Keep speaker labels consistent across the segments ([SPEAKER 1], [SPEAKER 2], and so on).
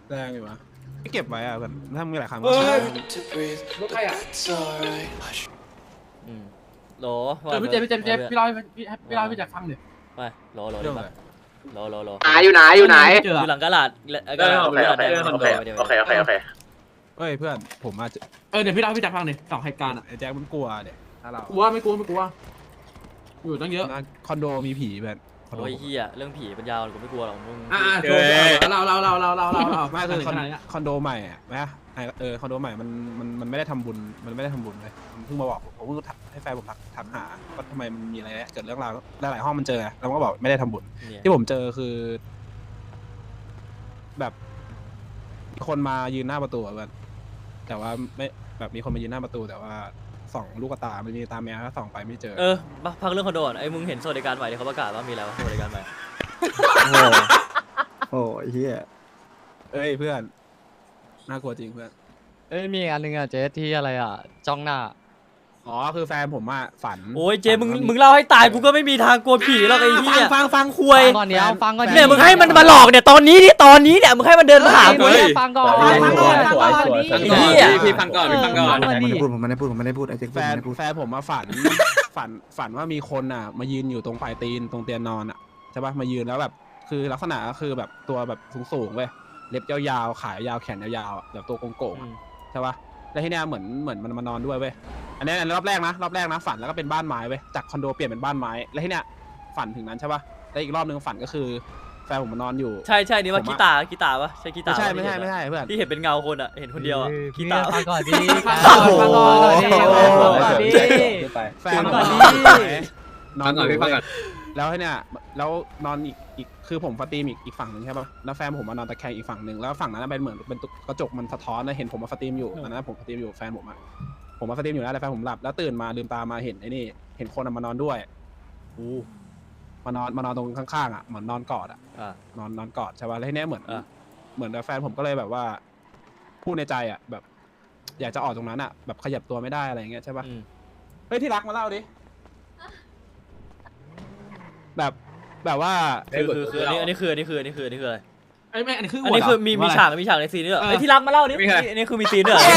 [SPEAKER 1] แรงอยู่วะไม่เก็บไว้อะแบบถ้ามีหลายครั้ง
[SPEAKER 2] เอ้ย
[SPEAKER 3] รถใครอ่ะ
[SPEAKER 4] โหล
[SPEAKER 3] เจอพี่เจพี่เล่าให้พี่แจ็คฟังดิ
[SPEAKER 4] ไปโหล
[SPEAKER 1] เรื่องอะไร
[SPEAKER 4] โหล
[SPEAKER 5] อยู่ไหนอยู่ไหน
[SPEAKER 3] เจอ
[SPEAKER 4] อยู่หลังกระดาษกระดาษ
[SPEAKER 5] โอเคโอเค
[SPEAKER 1] เฮ้ยเพื่อนผมอาจจะ
[SPEAKER 3] เดี๋ยวพี่เล่าให้พี่แจ็คฟังดิสองเหตุการณ์อ่ะ
[SPEAKER 1] ไอ้แจ็คมันกลัวเด็กถ้าเรา
[SPEAKER 3] กลัวไม่กลัวอยู่ตั้งเยอะ
[SPEAKER 1] นะคอนโดมีผีแบบคอนโด
[SPEAKER 4] โอ้ยเฮียเรื่องผีปัญญาอ่อนกูไม่กลัวหรอกมึง
[SPEAKER 3] โทรเรา
[SPEAKER 1] ไม่คือ
[SPEAKER 3] ขนาดนี้
[SPEAKER 1] คอนโดใหม่อะนะคอนโดใหม่มันไม่ได้ทำบุญมันไม่ได้ทำบุญเลยมันเพิ่งมาบอกผมเพิ่งให้แฟนผมทักหาว่าทำไมมันมีอะไรเกิดเรื่องราวหลายห้องมันเจอแล้วมันก็บอกไม่ได้ทำบุญ
[SPEAKER 4] เนี่ย
[SPEAKER 1] ที่ผมเจอคือ แบบมีคนมายืนหน้าประตูอะแบบแต่ว่าไม่แบบมีคนมายืนหน้าประตูแต่ว่าส่องลูกตามันมีตาแมวแล้วส่องไปไม่เจอ
[SPEAKER 4] พักเรื่องคอนโดก่อนไอ้มึงเห็นสวัสดิการใหม่ที่เขาประกาศว่ามีอะไรวะสวัสดิการใหม่
[SPEAKER 6] โอ้ยเฮีย
[SPEAKER 1] เอ้ยเพื่อนน่ากลัวจริงเพื่อน
[SPEAKER 7] เอ้ยมีอันนึงอ่ะเจ๊ที่อะไรอ่ะจ้องหน้า
[SPEAKER 1] อ๋อคือแฟนผมอะฝัน
[SPEAKER 4] โอ้ยเจมึงเล่าให้ตายกูก็ไม่มีทางกลัวผีหรอกไอ้เหี้ยฟังคุย
[SPEAKER 7] ฟังก่อนเดี๋ยวฟังก่อน
[SPEAKER 4] เนี่ยมึงให้มันมาหลอกเนี่ยตอนนี้เนี่ยมึงให้มันเดินมาหากู
[SPEAKER 7] เฮ้
[SPEAKER 4] เนี่ย
[SPEAKER 7] ยฟังก่อน
[SPEAKER 4] ไอ้เหี้ย
[SPEAKER 2] พี่ฟังก่อนพี่ฟังก่อน
[SPEAKER 6] ผมไม่ได้พูดไอ้เจ๊ก
[SPEAKER 1] แฟนผมมาฝันว่ามีคนอะมายืนอยู่ตรงปลายตีนตรงเตียงนอนอะใช่ปะมายืนแล้วแบบคือลักษณะก็คือแบบตัวแบบสูงๆเว้ยเล็บยาวๆขายาวแขนยาวๆอะแบบตัวโก่งๆอะใช่ปะแล้วที่เนี้ยเหมือนมันมานอนด้วยเว้ยอันนี้รอบแรกนะฝันแล้วก็เป็นบ้านไม้เว้ยจากคอนโดเปลี่ยนเป็นบ้านไม้แล้วที่เนี้ยฝันถึงนั้นใช่ปะแล้วอีกรอบนึงฝันก็คือแฟนผมมานอนอยู่
[SPEAKER 4] ใช่นี่ว่ากีตาร์ปะใช่กีตาร์
[SPEAKER 1] ไม่ใช่เพื่อน
[SPEAKER 4] ที่เห็นเป็นเงาคนอะเห็นคนเดียวอะกีตาร์
[SPEAKER 7] ฟังก่อนดิฟังก่อนดิ
[SPEAKER 1] แฟนผม
[SPEAKER 7] ฟังก่อนดิ
[SPEAKER 1] นอนอยู่แล้วให้เนี่ยแล้วนอนอีกคือผมสตรีมอีกฝั่งหนึ่งใช่ปะแล้วแฟนผมมานอนตะแคงอีกฝั่งหนึ่งแล้วฝั่งนั้นเป็นเหมือนเป็นกระจกมันสะท้อนนะเห็นผมมาสตรีมอยู่ตอนนั้นผมสตรีมอยู่แฟนผมมาสตรีมอยู่แล้วแต่แฟนผมหลับแล้วตื่นมาลืมตามาเห็นไอ้นี่เห็นคนมานอนด้วยมานอนตรงข้างๆอ่ะเหมือนนอนกอดอ่ะนอนกอดใช่ปะแล้วทีเนี้ยเหมือนแฟนผมก็เลยแบบว่าพูดในใจอ่ะแบบอยากจะออกตรงนั้นอ่ะแบบขยับตัวไม่ได้อะไรอย่างเงี้ยใช่ปะเฮ้ยที่รักมาเล่าดิแบบว่า
[SPEAKER 4] คืออันนี้คืออะไร
[SPEAKER 3] ไอ้แม่อันนี้คือ
[SPEAKER 4] อันนี้คือมีฉากในซีนนี้เหรอไอ้ที่รักมาเล่าดิอันนี้คือมีซีนด้วยเหรอ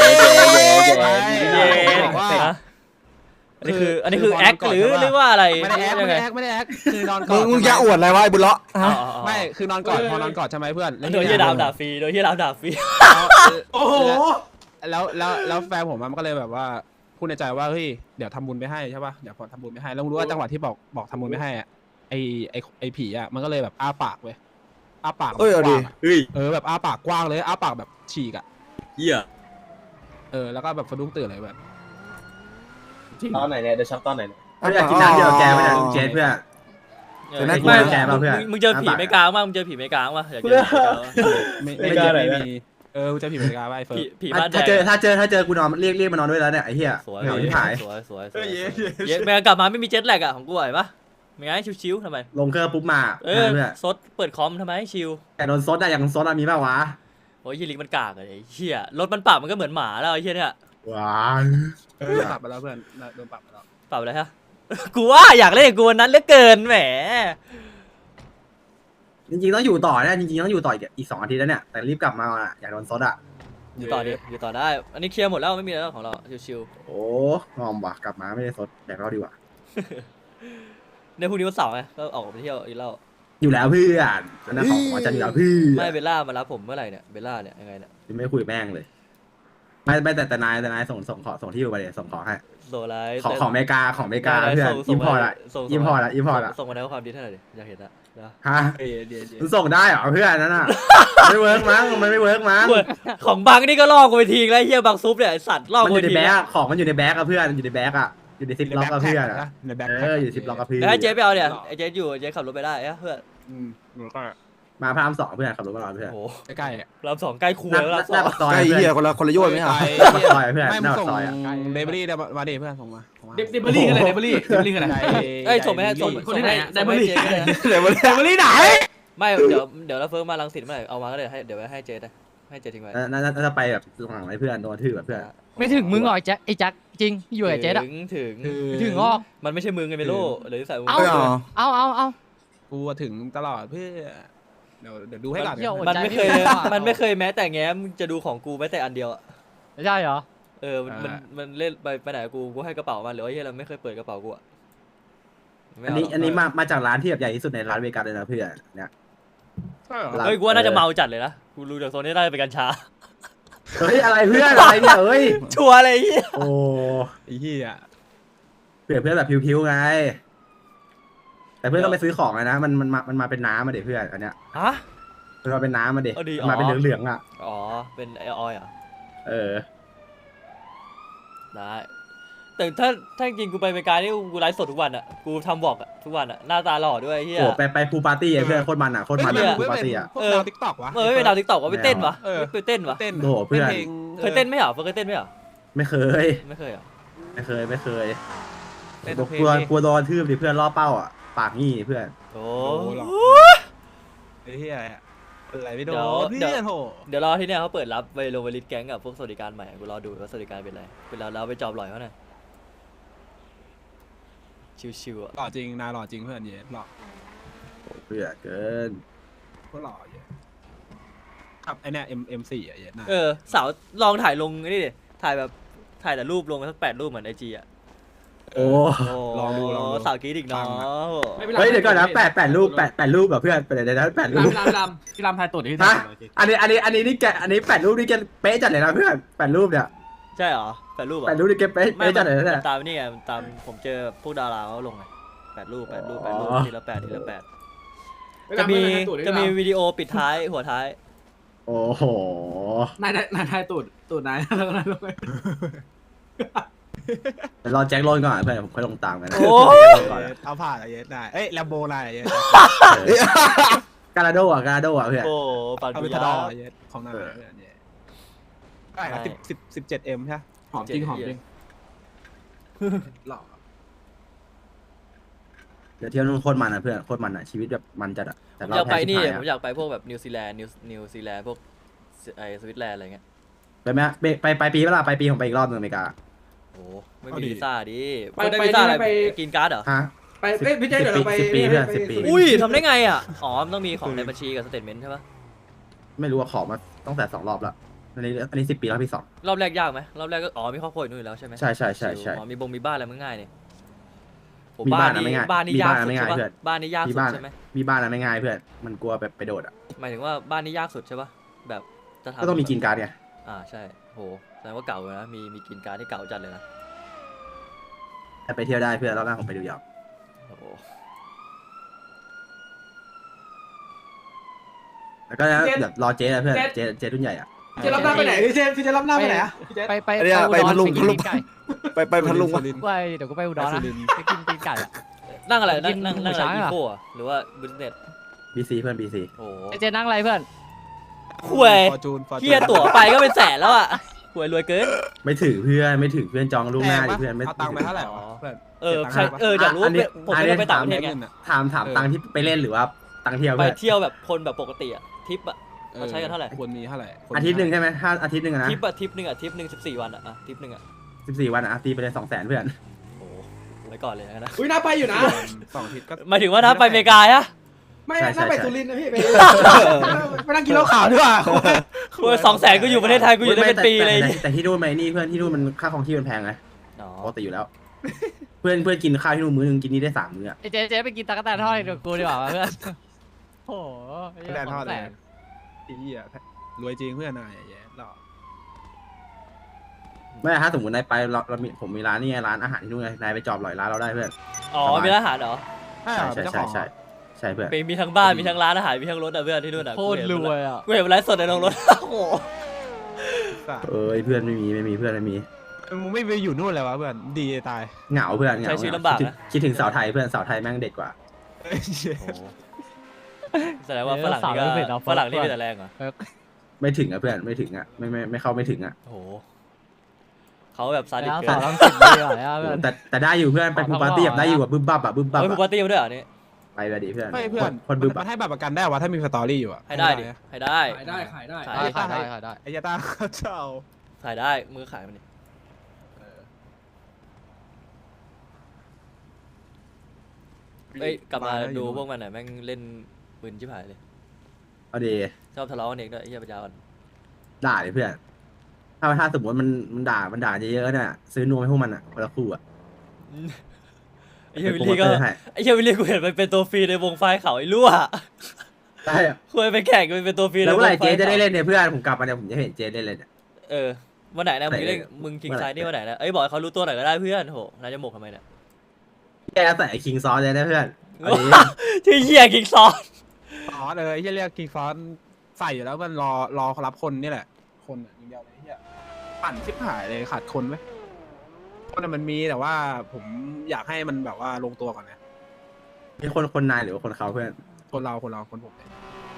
[SPEAKER 4] อันนี้คือแอคหรือว่าอะไร
[SPEAKER 1] ไม่ได้แอคคือนอนกอด
[SPEAKER 6] มึงจะอวดอะไรวะไอ้บุญเลาะ
[SPEAKER 1] ไม่คือนอนกอดพอนอนกอดใช่ไหมเพื่อน
[SPEAKER 4] โดยที่ด่าฟรี
[SPEAKER 3] โอ้โห
[SPEAKER 1] แล้วแฟนผมมันก็เลยแบบว่าพูดในใจว่าเฮ้ยเดี๋ยวทำบุญไปให้ใช่ป่ะเดี๋ยวพอทำบุญไปให้แล้วรู้ว่าจังหวะที่บอกทำบุญไปให้อ่ะไอผีอ่ะมันก็เลยแบบอ้าปากเว้ยอ้าปาก
[SPEAKER 6] เอาดิ
[SPEAKER 1] แบบอ้าปากกว้างเลยอ้าปากแบบฉีกอ่ะ
[SPEAKER 2] เหี้ย
[SPEAKER 1] แล้วก็แบบสะดุ้งตื่นเลยแบบ
[SPEAKER 5] ตอนไหนเนี่ยเดี๋ยวช็อปตอนไหน
[SPEAKER 6] อยากกินน้ำเดียวแกไม่ได้เจ๊เพื่อน
[SPEAKER 4] มึงเจอผีไม่กลางมั้งมึงเจอผีไม่กลางมั้งอยากเจอ
[SPEAKER 1] ไม่มีจะผีเหมือนกันว่าไอ้เฟิร์
[SPEAKER 4] ผีบ้านแดง
[SPEAKER 6] ถ้าเจอกูนอนเรียกมานอนด้วยแล้วเนี่ยไอ้เหี้ย
[SPEAKER 4] สวย
[SPEAKER 6] เหงาที่หาย
[SPEAKER 4] สวยแม่กลับมาไม่มีเจ็ตแลกอะของกูเห็นปะไม่งั้นชิวๆทำไม
[SPEAKER 6] ลงเครื่องปุ๊บมาเพื่อน
[SPEAKER 4] ซดเปิดคอมทำไมชิว
[SPEAKER 6] แต่โดนซดอะอย่างซดอะมีป่าวะ
[SPEAKER 4] โอ้ยยี่ลิกมันกากเลยไอ้เหี้ยรถมันปรับมันก็เหมือนหมาแล้วไอ้เหี้ยเนี่ย
[SPEAKER 6] ว้า
[SPEAKER 1] ปรับไปแล้วเพื่อนโดนปรับไปแล้ว
[SPEAKER 4] ปรับอะไรฮะ กูว่าอยากเล่นกับกูวันนั้นเหลือเกินแหม
[SPEAKER 6] จริงๆต้องอยู่ต่อเนี่ยจริงๆต้องอยู่ต่ออีก2 อาทิตย์แล้วเนี่ยแต่รีบกลับมาอยากโดนซดอะ
[SPEAKER 4] อยู่ต่อดิอยู่ต่อได้ อันนี้เคลียร์หมดแล้วไม่มีแล้วของเราชิว
[SPEAKER 6] โอ้งอมว่ะกลับมาไม่ได้ซดแดกเหล้าดีกว่า
[SPEAKER 4] ๆในพรุ่งนี้วันเสาร์ไงก็ออกไปเที่ยวอีกแล้ว
[SPEAKER 6] อยู่แล้วเพื่อนอันนั้นของอาจารย์อยู่แล้วเพื่อน
[SPEAKER 4] ไม่เบลล่ามารับผมเมื่อไหร่เนี่ยเบลล่าเนี่ยยังไงเนี่ย
[SPEAKER 6] ไม่คุยแม่งเลยไม่แต่นายส่งที่อยู่ไปเลยส่งของให้
[SPEAKER 4] โซไลท์
[SPEAKER 6] ของอเมริกาเพื่อนอิมพอร์ตอะ
[SPEAKER 4] ส่งมาในความดีเท่าไหร่ดิอยากเห็นอะนะ
[SPEAKER 6] ฮะมันส่งได้เหรอเพื่อนนั่นน่ะไม่เวิร์กมั้งมันไม่เวิร์กมั้ง
[SPEAKER 4] ของบังนี่ก็ล่อกูไปทีแล้วเฮียบังซุปเนี่ยไอ้สัตว์ล่อ
[SPEAKER 6] มัน
[SPEAKER 4] กู
[SPEAKER 6] อ
[SPEAKER 4] ไป
[SPEAKER 6] ยู่ใน
[SPEAKER 4] ที
[SPEAKER 6] แบ็คของมันอยู่ในแบ็คอะเพื่อนอยู่ในแบ็คอะอยู่ในซิปล็อกอะเพื่อน
[SPEAKER 1] ในแบ็ค
[SPEAKER 6] อยู่ซิปล็อกอะเพื่อน
[SPEAKER 4] แล้วให้เจ๊ไปเอาเนี่ยไอ้เจ๊อยู่เจ๊ขับรถไปได้เอ้เพื่อน
[SPEAKER 1] แล้วก็
[SPEAKER 6] มาพระราม2เพื่อนขับรถมาเพื่อน
[SPEAKER 4] โอ้
[SPEAKER 1] ใกล้ๆ
[SPEAKER 4] รอบสองใกล้คู
[SPEAKER 6] หน้า
[SPEAKER 4] แล้วรอบส
[SPEAKER 6] หน้า
[SPEAKER 4] อง
[SPEAKER 6] ปากซอย
[SPEAKER 8] ไอ้
[SPEAKER 6] เพื่
[SPEAKER 8] เหี้ย
[SPEAKER 6] อน
[SPEAKER 8] คนละโยชน์ไหมอ่ะ
[SPEAKER 6] ปากซอยเพื่อน
[SPEAKER 1] ไม่
[SPEAKER 6] ห
[SPEAKER 1] มึ
[SPEAKER 6] น้าง ปาก
[SPEAKER 1] ส่ง
[SPEAKER 6] ซอยอะ
[SPEAKER 1] เดลิเวอรี่มาดิเพื่อนส่งมา
[SPEAKER 3] เดบรี่กันเลยเดบรี่กันไหน
[SPEAKER 4] เอ้ยส่งไปให้ส่ง
[SPEAKER 3] คนที่ไหนได
[SPEAKER 4] ส่ง
[SPEAKER 3] บ
[SPEAKER 4] ให้
[SPEAKER 3] รี่
[SPEAKER 4] เจ๊ก็ได้นะ
[SPEAKER 3] ไดบรี่ไหน
[SPEAKER 4] ไม่เดี๋ยวเราเฟิร์มมาลังสิตเมื่อไหร่เอามาก็เดี๋ยวเดี๋ยวไว้ให้เจ๊ได้ให้เจ๊ทิ้งไว้
[SPEAKER 6] น่าจะไปแบบหลังไอ้เพื่อนโดนทื่อแบบเพื่อน
[SPEAKER 7] ไม่ถึงมึงหรอกไอ้แจ็คจริงอยู่กับเจ๊อะ
[SPEAKER 4] ถึง
[SPEAKER 7] งอก
[SPEAKER 4] มันไม่ใช่มึงไงเมโลหรือใส่มึง
[SPEAKER 7] เอา กูถึงตลอดเพื่อ
[SPEAKER 1] เดี๋ยวดูให้ก่อน
[SPEAKER 4] มันไม่เคยมันไม่เคยแม้แต่แง้มจะดูของกูแม้แต่อันเดียวอะ
[SPEAKER 7] ใช่เหรอ
[SPEAKER 4] เออมันเล่นไปไหนกูให้กระเป๋ามันหรือว่าเฮียเราไม่เคยเปิดกระเป๋ากูอะไม่
[SPEAKER 6] อัน
[SPEAKER 4] เาหร
[SPEAKER 6] นี้
[SPEAKER 4] ก
[SPEAKER 6] อันนี้มาจากร้านที่แบบใหญ่ที่สุดในร้านเวกัสเลยนะเพื่อนเนี่ย
[SPEAKER 1] ใช่เหรอ
[SPEAKER 6] ร้าน
[SPEAKER 4] เฮ้ยกูว่าน่าจะเมาจัดเลยนะกูรู้จากโซนนี้ได้เป็นกัญชา
[SPEAKER 6] เฮ้ยอะไรเพื่อนอะไรเนี่ยเฮ้ย
[SPEAKER 4] ชัวร์เลยไอ้เฮีย
[SPEAKER 6] โอ้
[SPEAKER 1] ไอ้เหี้ย
[SPEAKER 6] เพื่อนแบบพิวๆไง แต่เพื่อนต้องไปซื้อของเลยนะมันมาเป็นน้ำมาเด็เพื่อนอันเนี้ย
[SPEAKER 4] ฮะ
[SPEAKER 6] มันมาเป็นน้ำมาเด็
[SPEAKER 4] เอาดี
[SPEAKER 6] มาเป็น
[SPEAKER 4] อ๋อ
[SPEAKER 6] เหลืองๆอ่ะ
[SPEAKER 4] อ๋อเป็นไอออยเหรอ
[SPEAKER 6] เออ
[SPEAKER 4] ได้แต่ถ้าจริงกูไปอเมริกานี่กูไลฟ์สดทุกวันอะกูทำบอกอะทุกวันอะหน้าตาหล่อด้วยไอ้เฮีย
[SPEAKER 6] โอ้ไปพูปาร์ตี้อะเพื่อนโคตรมันอ่ะโคตรมัน
[SPEAKER 1] เฮ้ย
[SPEAKER 6] อะ
[SPEAKER 1] เพื่
[SPEAKER 6] พู
[SPEAKER 1] อน
[SPEAKER 6] ปาร์ตี้อ่ะ
[SPEAKER 1] พวกดาวทิกตอกวะ
[SPEAKER 4] ไม่เป็นดาวทิกตอกว่าไปเต้นวะ
[SPEAKER 1] เออ
[SPEAKER 4] ไปเต้นวะ
[SPEAKER 1] เต้น
[SPEAKER 6] โอ้โหเพื่อน
[SPEAKER 1] พลง
[SPEAKER 4] เคยเต้นไหมเหรอเคยเต้นไหมเหรอ
[SPEAKER 6] ไม่เคย
[SPEAKER 4] ไม่เคยเหรอ
[SPEAKER 6] ไม่เคย
[SPEAKER 1] เต้น
[SPEAKER 6] ก
[SPEAKER 1] เพลง
[SPEAKER 6] ลัว
[SPEAKER 1] ดิ
[SPEAKER 6] กลัวโดนทืบดิเพื่อนล่อเป้าอ่ะปากงี้เพื่อน
[SPEAKER 4] โอ้
[SPEAKER 1] โอ้หรอไอ้เหี้ยอะไรไม่โดน
[SPEAKER 4] เดี๋ยว
[SPEAKER 1] เพื่อนโห
[SPEAKER 4] เดี๋ยวรอที่เนี่ยเขาเปิดรับไปลงไปลิสต์แก๊งกับพวกสวัสดิการใหม่กูรอดูว่าสวัสดิการเป็นอะไรเวลาเราไปจอบหล่อยเขาหน่อยชิวๆอ่ะ
[SPEAKER 1] หล่อจริงนายหล่อจริงเพื่อนเย็นหล่อ
[SPEAKER 6] เพื่อนเกิน
[SPEAKER 1] ก็หล่อเย็นครับไอเนี่ย M4 อ่ะเย็นนาย
[SPEAKER 4] สาวลองถ่ายลงนี่ดิถ่ายแบบถ่ายแต่รูปลงสัก8 รูปเหมือนไอจีอ่ะ
[SPEAKER 6] โอ้
[SPEAKER 1] ลองดู
[SPEAKER 4] สาวกรีดอีกเนาะ
[SPEAKER 6] เฮ้ยเดี๋ยวก่อนนะแปดรูปแบบเพื่อนไปเดี๋ยวนะ8 รูป
[SPEAKER 3] พี่รามทายตุ่นที่
[SPEAKER 6] ฮะ อันนี้นี่แกอันนี้8 รูปนี่แกเป๊ะจัดเลยนะเพื่อน8 รูปเนี่ย
[SPEAKER 4] ใช่เหรอ8 รูปเหรอ
[SPEAKER 6] 8 รูปนี่แกเป๊ะจัดเลยนะ
[SPEAKER 4] มั
[SPEAKER 6] เนี่ย
[SPEAKER 4] นตามนี่ไงมันตามผมเจอพวกดาราเขาลงไง8 รูปทีละ8จะมีวิดีโอปิดท้ายหัวท้าย
[SPEAKER 6] โอ้โห
[SPEAKER 3] นายทายตุ่นนายแล้วก็นายลงไป
[SPEAKER 6] เดี๋ยวรอแจ็คโรนก่อนเพื่อนผมค่อยลงตามกันนะ
[SPEAKER 4] โอ้
[SPEAKER 6] ก่อนนะ
[SPEAKER 1] เอาผ่านอะเย็นนายเอ้ยแลมโบนายเย็น
[SPEAKER 6] การาโดอ่ะเพื่อน
[SPEAKER 4] โอ้ปัน
[SPEAKER 1] เอา
[SPEAKER 4] ปุ
[SPEAKER 1] ไป
[SPEAKER 4] ย
[SPEAKER 1] ท
[SPEAKER 4] ยา
[SPEAKER 1] ดอเย็นของนายเพื่อนเย็นได้ครับ17M ใช่
[SPEAKER 3] หอมจริงหอมจริง
[SPEAKER 1] หล่อ
[SPEAKER 6] เดี๋ยวเที่ยวนู่นโคตรมันอ่ะเพื่อนโคตรมันอ่ะชีวิตแบบมันจัดอ่ะแต่
[SPEAKER 4] ผม
[SPEAKER 6] เรา
[SPEAKER 4] อยากไป
[SPEAKER 6] แพ้
[SPEAKER 4] นี่
[SPEAKER 6] ชิบหาย
[SPEAKER 4] ผม
[SPEAKER 6] อะ
[SPEAKER 4] อยากไปพวกแบบนิวซีแลนด์พวกไอสวิตแลนด์อะไรเงี้ย
[SPEAKER 6] ไปไหมไปปีเวลาไปปีผมไปอีกรอบนึงอเมริกา
[SPEAKER 4] โอ้ไม่มีวีซ่าดิ
[SPEAKER 3] ไป
[SPEAKER 4] ไม่ได้วีซ่าอะไร
[SPEAKER 3] ไป
[SPEAKER 4] กินการ์ดเหรอ
[SPEAKER 6] ฮะ
[SPEAKER 3] ไปพี่เจ๊เดี๋ยวเราไป
[SPEAKER 6] 10 ปีเพื่อน10 ปี
[SPEAKER 4] อุ้ยทำได้ไงอ่ะอ๋อมันต้องมีของในบัญชีกับสเตทเมนต์ใช่ปะ
[SPEAKER 6] ไม่รู้ว่าขอมาตั้งแต่2 รอบแล้วอันนี้10 ปีแล้วพี่2
[SPEAKER 4] รอบแรกยากไหมรอบแรกก็อ๋อมีครอบครัวอยู่นู่นอยู่แล้วใช่ไหม
[SPEAKER 6] ใช่
[SPEAKER 4] อ๋อมีบ้านอะไรมันง่ายเนี่ยโห
[SPEAKER 6] มีบ้านอะไม่ง่าย
[SPEAKER 4] บ้านนี่
[SPEAKER 6] มี
[SPEAKER 4] ยาก
[SPEAKER 6] บ้านอะ
[SPEAKER 4] สุด
[SPEAKER 6] ไม่ง่าย
[SPEAKER 4] ใช่ปะ
[SPEAKER 6] เพื่อน
[SPEAKER 4] บ้านนี่ยาก
[SPEAKER 6] มี
[SPEAKER 4] สุด
[SPEAKER 6] บ้าน
[SPEAKER 4] ใช่ไหม
[SPEAKER 6] มีบ้านอะไม่ง่ายเพื่อนมันกลัวแบบไปโดดอ่ะ
[SPEAKER 4] หมายถึงว่าบ้านนี่ยากสุดใช่ปะแบบจะทำ
[SPEAKER 6] ก็ต้องมีกินการ์ดไง
[SPEAKER 4] ใช่โหแสดงว่าเก่าเลยนะมีกินการ์ดที่เก่าจัดเลยนะ
[SPEAKER 6] แต่ไปเที่ยวได้เพื่อนรอบหน้าผมไปดูยาว
[SPEAKER 4] โอ้โห
[SPEAKER 6] แล้วก็เดี๋ยวรอเจ๊นะเพื่อนเจ๊รุ่นใหญ่อ่ะ
[SPEAKER 3] เจ๊รับหน้าไปไหนพี่เจ๊รับหน้าไปไหนอะพี่เจ๊
[SPEAKER 7] ไป
[SPEAKER 2] อันเนี้ยไปพัทลุง
[SPEAKER 7] ไปกินไก่
[SPEAKER 2] ไปพัทลุง
[SPEAKER 1] สุรินทร์
[SPEAKER 7] ไปเดี๋ยวกูไปอุดรนะไปกินตีนไก่อะ
[SPEAKER 4] นั่งอะไร
[SPEAKER 7] กิน
[SPEAKER 4] นั่ง
[SPEAKER 7] หมู
[SPEAKER 4] อะไร
[SPEAKER 7] ช้าง
[SPEAKER 4] อี
[SPEAKER 7] เหรอ
[SPEAKER 4] โก้หรือว่าบิสเนส
[SPEAKER 6] BC เพื่อน BC
[SPEAKER 4] โอ้โห
[SPEAKER 7] เจนั่งอะไรเพื่อน
[SPEAKER 4] คุย
[SPEAKER 1] ฟอร์จูน
[SPEAKER 4] เฮียตั๋วไปก็เป็นแสนแล้วอ่ะหวยรวยเกิน
[SPEAKER 6] ไม่ถึงเพื่อนจองล่วงหน้าดิเพื่อนไม่
[SPEAKER 1] เอาตังค์ไปเท่าไหร่วะเพื่อน
[SPEAKER 4] ใช่อยากรู้ว่าผมไม่ได้ไปต่างประเทศไง
[SPEAKER 6] ถามตังค์ที่ไปเล่นหรือว่าตังค์เที่ยว
[SPEAKER 4] ไป
[SPEAKER 6] เพื่อน
[SPEAKER 4] เที่ยวแบบคนแบบปกติอะทริปอะเราใช้กันเท่าไหร่
[SPEAKER 1] ควรมีเท่าไหร่
[SPEAKER 6] อาทิตย์หนึ่งใช่ไหมถ้าอาทิตย์หนึ่งอะนะ
[SPEAKER 4] ทริปอะทริปหนึ่ง14 วันอะทริปหนึ่งอะ
[SPEAKER 6] 14 วันอะตีไปเลย200,000เพื่อน
[SPEAKER 4] โอ้ไว้ก่อนเลยนะ
[SPEAKER 3] อุ้ยน่าไปอยู่นะ
[SPEAKER 1] 2 อาทิตย์ก็
[SPEAKER 4] หมายถึงว่าถ้าไปอเมริกาฮะ
[SPEAKER 3] ไม่น่าไปสุรินทร์นะพี่ไปนั่งกินเหล้าขาวดีกว่า
[SPEAKER 4] คุย200,000กูอยู่ประเทศไทยกูอยู่ได้เป็นปีเลย
[SPEAKER 6] แต่ที่นู่นไม่นี่เพื่อนที่นู่นมันค่าของที่มันแพงไง
[SPEAKER 4] อ๋อ
[SPEAKER 6] ปกติอยู่แล้ว เพื่อนกินข้าวที่นู่นมื้อนึงกินนี่ได้3 มื้ออะ
[SPEAKER 7] เจ๊ไปกินตะกั่วแตนทอดเดี๋ยวกูดีกว่าเพื่อนโอ้โห
[SPEAKER 1] แดนทอดเลยอีอ่ะรวยจริงเพื่อนนายแย่หล่อ
[SPEAKER 6] ไม่ถ้าสมมตินายไปผมมีร้านนี่ไงร้านอาหารที่นู่นไงนายไปจอบหลอยร้านเราได้เพื่อน
[SPEAKER 4] อ๋อมีร้านอาหารเหรอ
[SPEAKER 1] ใช่เจ้าของ
[SPEAKER 6] ใช่เพื่อน
[SPEAKER 4] มีทั้งบ้านมีทั้งร้านอาหารมีทั้งรถอะเพื่อนที่นู่นอะ
[SPEAKER 7] โคตรรวยอ่ะ
[SPEAKER 4] กูเห็นไลฟ์สดในโรงรถโอ้โห
[SPEAKER 6] เอ้ยเพื่อนไม่มีเพื่อนไม่มี
[SPEAKER 1] มึงไม่ไปอยู่นู่นเลยวะเพื่อนดีตาย
[SPEAKER 6] เหงาเพื่อนเหงา
[SPEAKER 4] ใช้ชีวิตลำบากนะ
[SPEAKER 6] คิดถึงสาวไทยเพื่อนสาวไทยแม่งเด็ดกว่า
[SPEAKER 4] แสดงว่าฝรั่งนี่ก็ฝรั่งนี่เป็นแต่แรงเหรอ
[SPEAKER 6] ไม่ถึงอะเพื่อนไม่ถึงอะไม่เข้าไม่ถึงอะ
[SPEAKER 4] โอ้โหเขาแบบซาดิส
[SPEAKER 7] แล้ว
[SPEAKER 4] เกิ
[SPEAKER 7] สาวน ต้องสิบดีกว่าเพื่อน
[SPEAKER 6] แต่ได้อยู่เพื่อนไปพูปาร์ตี้แบบได้อยู่แบบบึ้มบับอะบึ้มบับ
[SPEAKER 4] เฮ้ย
[SPEAKER 6] อะ
[SPEAKER 4] ปาร์ตี้มาด้วยเหรอนี่
[SPEAKER 6] ไปแบบดีเพื่อน
[SPEAKER 1] ไม่เพื่อน
[SPEAKER 6] คนบึ้ม
[SPEAKER 1] มั
[SPEAKER 6] อะ
[SPEAKER 1] นให้บัตรประกันได้วะถ้ามีสตอรี่อยู่อะ
[SPEAKER 4] ให้ได้ดิให้ได้
[SPEAKER 3] ขายได้ขายได้
[SPEAKER 4] ขาย
[SPEAKER 7] ขายได้
[SPEAKER 1] ไอ้ยาตาเจ้า
[SPEAKER 4] ขายได้มือขายมันดิเอ้ยกลับมาดูพวกมันหน่อยแม่งเล่นปืนชิบหายเลย
[SPEAKER 6] เอาดี
[SPEAKER 4] ชอบทะเลาะกันเองด้วยไอ้เหี้ยปัญญาอ่อน
[SPEAKER 6] ด่าดิเพื่อนถ้าสมมติมันด่าเยอะๆเนี่ยซื้อนวมให้พวกมันอ่ะคนละคู่อ่ะ
[SPEAKER 4] ไอ้เหี้ยวิลลี่ก็
[SPEAKER 6] โปรโมเตอร์ให้
[SPEAKER 4] ไอ้เหี้ยวิลลี่กูเห็นมันเป็นตัวฟรีในวงไฟเขาไอ้รั่ว
[SPEAKER 6] ใช่อะ
[SPEAKER 4] คุยไปแข่งกันเป็นตัวฟรี
[SPEAKER 6] แล้วเมื่อไหร่
[SPEAKER 4] ในวงไฟ
[SPEAKER 6] เจ๊จะได้เล่นเนี่ยเพื่อนผมกลับมาเนี่ยผมจะเห็นเจ๊ได้เล่นเนี่ย
[SPEAKER 4] เออวันไหนนะมึงเล่น
[SPEAKER 6] ไหน
[SPEAKER 4] มึงคิง
[SPEAKER 6] เมื่อไหร่
[SPEAKER 4] ไซด์นี่วันไหนนะเอ้ยบอกให้เขารู้ตัวหน่อยก็ได้เพื่อนโหนายจะหมกทำไมเนี่ย
[SPEAKER 6] แกใส่คิงซอสเลยนะเพื่อนอันนี้
[SPEAKER 4] ชื่อเหี้ยคิงซอน
[SPEAKER 1] อ๋อเลยไอ้เหี้ยเรียกกิงฟอนใส่อยู่แล้วมันรอรับคนนี่แหละ คนอ่ะอย่างเดียวเลยไอ้เหี้ยปั่นชิบหายเลยขาดคนไหมคนอะมันมีแต่ว่าผมอยากให้มันแบบว่าลงตัวก่อนนะ
[SPEAKER 6] มีคนนายหรือว่าคนเขาเพื่อน
[SPEAKER 1] คนเราคนผมเนี่ย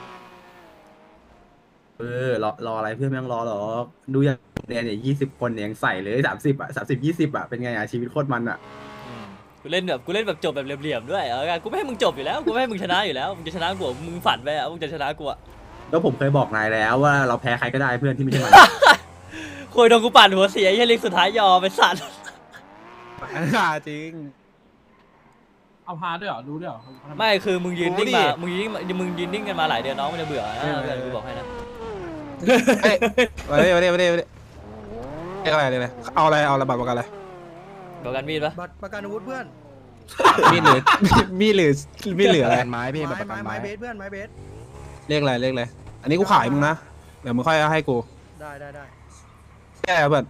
[SPEAKER 6] รออะไรเพื่อนไม่ต้องรอหรอกดูอย่างเนี่ย20 คนเนี่ยยังใส่เลย30อ่ะ30 20อ่ะเป็นไงอ่ะชีวิตโคตรมันอ่ะ
[SPEAKER 4] กูเล่นแบบจบแบบเหลี่ยมๆด้วยเอาไงกูไม่ให้มึงจบอยู่แล้วกูไม่ให้มึงชนะอยู่แล้วมึงจะชนะกูมึงฝันไปอ่ะมึงจะชนะกูอ่ะ
[SPEAKER 6] แล้วผมเคยบอกนายแล้วว่าเราแพ้ใครก็ได้เพื่อนที่ไม่ใช่มัน
[SPEAKER 4] คุยโดนกูปั่นหัวเสียไอ้เหี้ยลิงสุดท้ายยอมไปสัตว์
[SPEAKER 1] จริง
[SPEAKER 3] เอาพาด้วยเหรอรู้ด้วยเหรอ
[SPEAKER 4] ไม่คือมึงยืนนิ่ง
[SPEAKER 1] โอ้
[SPEAKER 4] มา
[SPEAKER 1] ดิ
[SPEAKER 4] มึงยืนนิ่งกันมาหลายเดือนน้องมันจะเบื่อนะเพื่อนกูบอกให้นะ
[SPEAKER 1] เฮ้ยมาดิเรียกอะไรเลยเอาอะไรบัตรประกันอะไร
[SPEAKER 4] บอกกันมีดปะ
[SPEAKER 2] บัตรประกันอาวุธเพื่อน
[SPEAKER 1] มีดหรือมีดเหลืออะไร
[SPEAKER 2] ไม้เบสเพื่อนไม้เบส
[SPEAKER 1] เรียกอะไรอันนี้กูขายมึงนะเดี๋ยวมึงค่อยให้กู
[SPEAKER 2] ได้
[SPEAKER 1] แก้เบิร์ด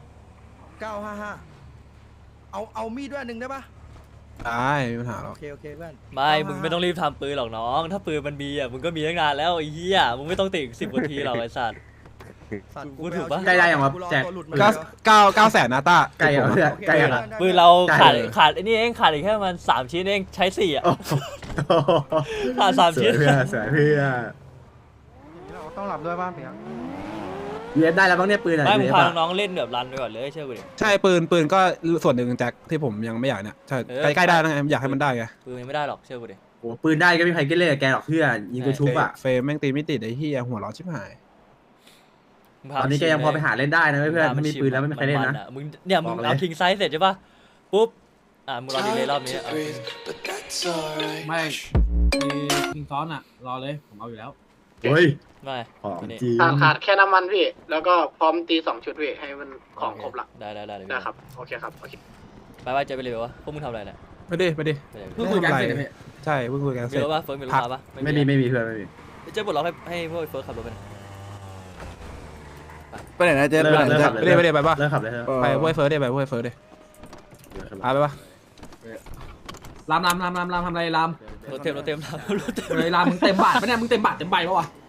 [SPEAKER 2] 955เอามีดด้วยอันหนึ่งได้ปะ
[SPEAKER 1] ได้ไม่มีปัญหาหรอก
[SPEAKER 2] โอเคเพื่อน
[SPEAKER 4] ไม่มึงไม่ต้องรีบทำปืนหรอกน้อง ถ้าปืนมันมีอ่ะมึงก็มีตั้งนานแล้วไอ้เหี้ยมึงไม่ต้องติด10 นาทีหรอกไอ้สัตว์
[SPEAKER 2] สัตว์
[SPEAKER 4] กูถูกปะ
[SPEAKER 6] ใกล้ได้ยังวะแจก
[SPEAKER 2] หลุด
[SPEAKER 1] 9 แสนนะต้า
[SPEAKER 6] ใกล้ยังเพื่อนใกล้ยัง
[SPEAKER 4] ปืนเรา
[SPEAKER 6] ใกล้
[SPEAKER 4] ขาดไอ้นี่เองขาดอีกแค่มัน3 ชิ้นเองใช้4อ่ะ
[SPEAKER 6] โอ้โห
[SPEAKER 4] ขาด3 ชิ้น
[SPEAKER 6] สวยเพื่อนสวยเพื่อน
[SPEAKER 3] ต้องรับด้วยบ้างเพียง
[SPEAKER 6] UF ได้แล้วบ้างเนี่ยปืนอ่ะ
[SPEAKER 4] ไม่มึง
[SPEAKER 6] UF
[SPEAKER 4] พา
[SPEAKER 6] อะ
[SPEAKER 4] น้องๆเล่นแบบรันไปก่อนเลยเชื่อกูดิ
[SPEAKER 1] ใช่ปืนก็ส่วนหนึ่งแจ็คที่ผมยังไม่อยากเนี่ยใช่ใกล้ได้นะอยากให้มันได้ไง
[SPEAKER 4] ปืนยังไม่ได้หรอกเชื่อกูดิ
[SPEAKER 6] โอ้ปืนได้ก็ไม่มีใครกินเลยกับแกหรอกเพื่อนยิงกูชุบอ่ะ
[SPEAKER 1] เฟรมแม่งตีไม่ติดไอ้เหี้ยหัวร้อนชิบหาย
[SPEAKER 4] มึงพา
[SPEAKER 6] ตอนนี้แกยังพอไปหาเล่นได้นะเพื่อน
[SPEAKER 4] พ
[SPEAKER 6] ถ้ามีปืนแล้วไม่มีใครเล่นนะ
[SPEAKER 4] มึงเนี่ยมึง
[SPEAKER 6] บอกเลย
[SPEAKER 4] เอาคิงไซส์เสร็จใช่ปะปุ๊บมึงรอดีเลยรอบนี้เอา
[SPEAKER 3] ไม่มีคิงซ้อนอ่ะรอเลยผมเอาอยู่แล้ว
[SPEAKER 6] เฮ้ย
[SPEAKER 4] ไม่
[SPEAKER 6] ของ
[SPEAKER 4] ตัวนี้
[SPEAKER 6] จริง
[SPEAKER 5] ขาดแค่น้ำมันพี่ แล้วก็พร้อมตี2 ชุดพี่ให้มันของครบละ
[SPEAKER 4] ได้เดี๋ยว
[SPEAKER 5] นะครับโอเคครับโอเค
[SPEAKER 4] ไปเจอไปเลยวะพวกมึงทำอะไรเนี่ย
[SPEAKER 1] ไม่ดิ
[SPEAKER 4] ไปเลย
[SPEAKER 3] เพิ่งคุยกันเสร็จเลยพี่
[SPEAKER 1] ใช่เพิ่งคุยกัน
[SPEAKER 4] มี
[SPEAKER 1] เสร็จ
[SPEAKER 4] รถปะเฟิร์สมีรถ
[SPEAKER 1] พัก
[SPEAKER 4] มาปะ
[SPEAKER 6] ไม่มีเพื่อนไม่มี
[SPEAKER 4] เจ๊ปลดล็อกให้พวกเฟิร์สขับรถไป
[SPEAKER 1] ไปไหนนะเจ๊ไปไหนเจ๊ไปดิไปป่ะ
[SPEAKER 6] เลิกขับเลยเถอะ
[SPEAKER 1] ไปพวกเฟิร์สดิไปพวกเฟิร์สดิไปป่ะ
[SPEAKER 3] รามทำอะไรราม
[SPEAKER 4] รถเต็ม
[SPEAKER 3] เฮ้ยรามมึงเต็มบาทปะเนี่ยมึงเต็มบาทเต็มใบปะวะ